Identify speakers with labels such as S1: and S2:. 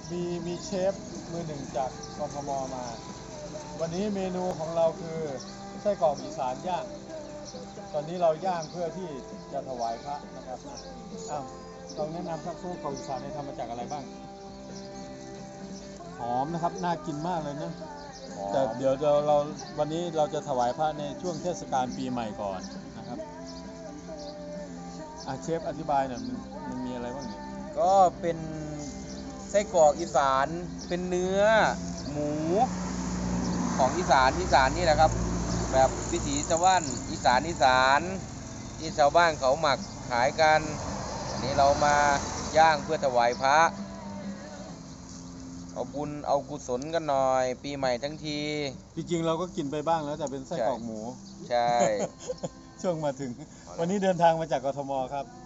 S1: มีเชฟมือหนึ่งจากกทมมา วันนี้เมนูของเราคือไส้กรอกอีสานย่าง ตอนนี้เราย่างเพื่อที่จะถวายพระนะครับอ้าวลองแนะนำครับไส้กรอกอีสานเนี่ยทำมาจากอะไรบ้างหอมนะครับน่ากินมากเลยนะแต่เดี๋ยวเราวันนี้เราจะถวายพระในช่วงเทศกาลปีใหม่ก่อนนะครับเชฟอธิบายหน่อยมันมีอะไรบ้างเนี่ย
S2: ก็เป็นไส้กรอกอีสานเป็นเนื้อหมูของอีสานนี่แหละครับแบบวิถีชาวบ้านอีสานที่ชาวบ้านเขาหมักขายกันอันนี้เรามาย่างเพื่อถวายพระเอาบุญเอากุศลกันหน่อยปีใหม่ทั้งที
S1: จริงๆเราก็กินไปบ้างแล้วแต่เป็นไส้กรอกหมู
S2: ใช่
S1: ช่วงมาถึงวันนี้เดินทางมาจากกทมครับ